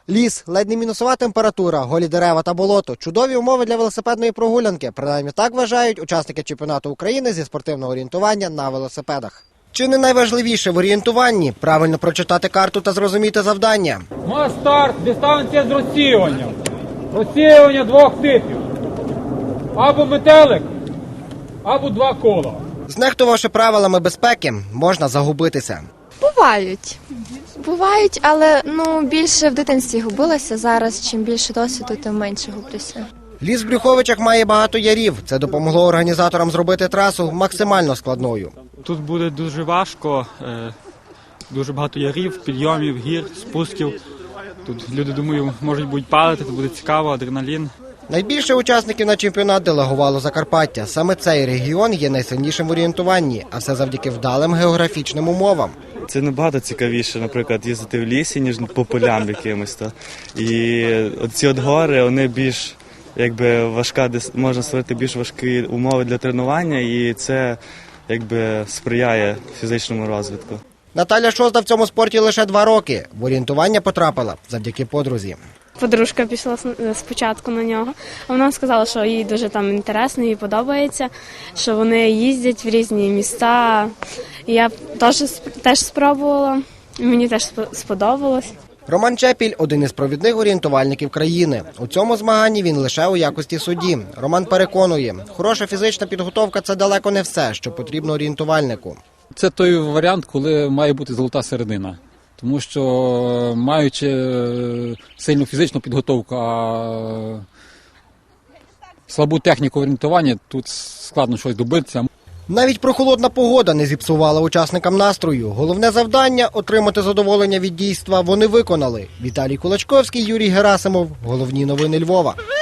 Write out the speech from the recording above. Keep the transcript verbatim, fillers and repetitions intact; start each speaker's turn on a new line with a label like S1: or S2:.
S1: Ліс, ледь не мінусова температура, голі дерева та болото – чудові умови для велосипедної прогулянки. Принаймні так вважають учасники чемпіонату України зі спортивного орієнтування на велосипедах. Чи не найважливіше в орієнтуванні – правильно прочитати карту та зрозуміти завдання?
S2: Мас старт, дистанція з розсіюванням. Розсіювання двох типів. Або метелик, або два кола.
S1: Знехтувавши правилами безпеки, можна загубитися.
S3: Бувають. Бувають, але ну, більше в дитинстві губилася. Зараз, чим більше досвіду, тим менше гублюся.
S1: Ліс в Брюховичах має багато ярів. Це допомогло організаторам зробити трасу максимально складною.
S4: Тут буде дуже важко, дуже багато ярів, підйомів, гір, спусків. Тут люди, думаю, можуть будуть падати, це буде цікаво, адреналін.
S1: Найбільше учасників на чемпіонат делегувало Закарпаття. Саме цей регіон є найсильнішим в орієнтуванні, а все завдяки вдалим географічним умовам.
S5: Це набагато цікавіше, наприклад, їздити в лісі, ніж по полям якимось. То. І ці от гори, вони більш, якби, важка, можна створити більш важкі умови для тренування, і це, якби, сприяє фізичному розвитку.
S1: Наталя Шозда в цьому спорті лише два роки. В орієнтування потрапила завдяки подрузі.
S6: Подружка пішла спочатку на нього, а вона сказала, що їй дуже там інтересно, їй подобається, що вони їздять в різні міста. І я теж, теж спробувала, і мені теж сподобалось.
S1: Роман Чепіль – один із провідних орієнтувальників країни. У цьому змаганні він лише у якості судді. Роман переконує, хороша фізична підготовка – це далеко не все, що потрібно орієнтувальнику.
S7: Це той варіант, коли має бути золота середина. Тому що, маючи сильну фізичну підготовку, а слабу техніку орієнтування, тут складно щось добитися.
S1: Навіть прохолодна погода не зіпсувала учасникам настрою. Головне завдання – отримати задоволення від дійства – вони виконали. Віталій Кулачковський, Юрій Герасимов. Головні новини Львова.